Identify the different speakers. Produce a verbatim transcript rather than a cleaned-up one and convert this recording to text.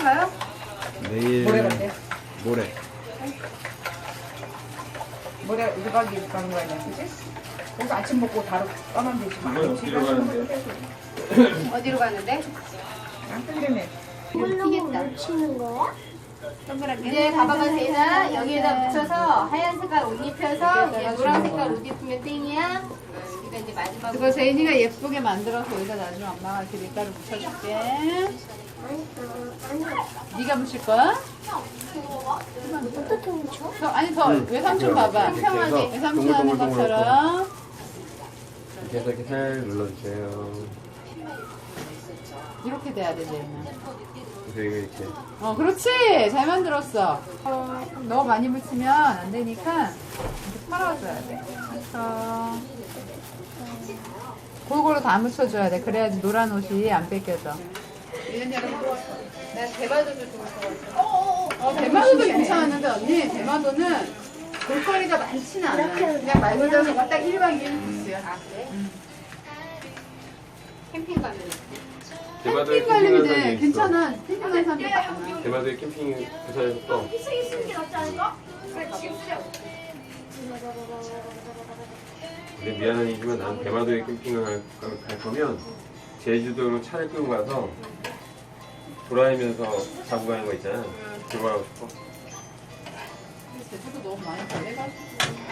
Speaker 1: 가요?
Speaker 2: 내일
Speaker 3: 모레 갈게요.
Speaker 2: 모레.
Speaker 3: 모레 일 박 이 일 가는 거 아니야, 그치? 그래서 아침 먹고 바로 떠나면 되지.
Speaker 4: 이건 어디로 가는데?
Speaker 1: 어디로 가는데?
Speaker 3: 안 뜬다네.
Speaker 1: 튀겠다.
Speaker 5: 치는 거야?
Speaker 1: 동그랗게.
Speaker 5: 이제 가방을 대나 여기에다 붙여서 하얀 색깔 옷 입혀서 얘 노란 색깔 옷 입으면 땡이야. 그러니까 이제 마지막으로
Speaker 1: 그거 제인이가 예쁘게 만들어서 여기다 나중에 엄마가 이렇게 밀가루 묻혀줄게. 네가 묻힐 거야?
Speaker 5: 어떻게 훔쳐?
Speaker 1: 더, 아니 더 외삼촌 봐봐.
Speaker 2: 평평하게.
Speaker 1: 외삼촌 하는 것처럼.
Speaker 2: 이렇게 해서 이렇게 살 눌러주세요.
Speaker 1: 이렇게 돼야 돼 제인아.
Speaker 2: 그래서 이거 이렇게.
Speaker 1: 어 그렇지 잘 만들었어. 어, 너무 많이 묻히면 안 되니까 이렇게 털어줘야 돼. 그래서 골고루 다 묻혀줘야 돼. 그래야지 노란 옷이 안 뺏겨져.
Speaker 5: 난 대마도도 좋을 것 같아.
Speaker 1: 어, 대마도도 괜찮았는데 언니 대마도는 볼거리가 많지는 않아. 그냥 말 그대로 딱 일 박 이 일 코스야.
Speaker 5: 아 그래? 캠핑 가면
Speaker 4: 대마도에
Speaker 1: 캠핑 가려면
Speaker 4: 캠핑하는
Speaker 1: 돼.
Speaker 4: 데 있어.
Speaker 1: 괜찮아. 캠핑하는 사람들 많아.
Speaker 4: 대마도에 캠핑 부산에서 또 근데 미안한 얘기지만 난 대마도에 캠핑을 갈, 갈 거면 제주도로 차를 끌고 가서 돌아다니면서 자고 가는 거 있잖아. 그거 하고 싶어.
Speaker 1: 제주도 너무 많이 달래가지고.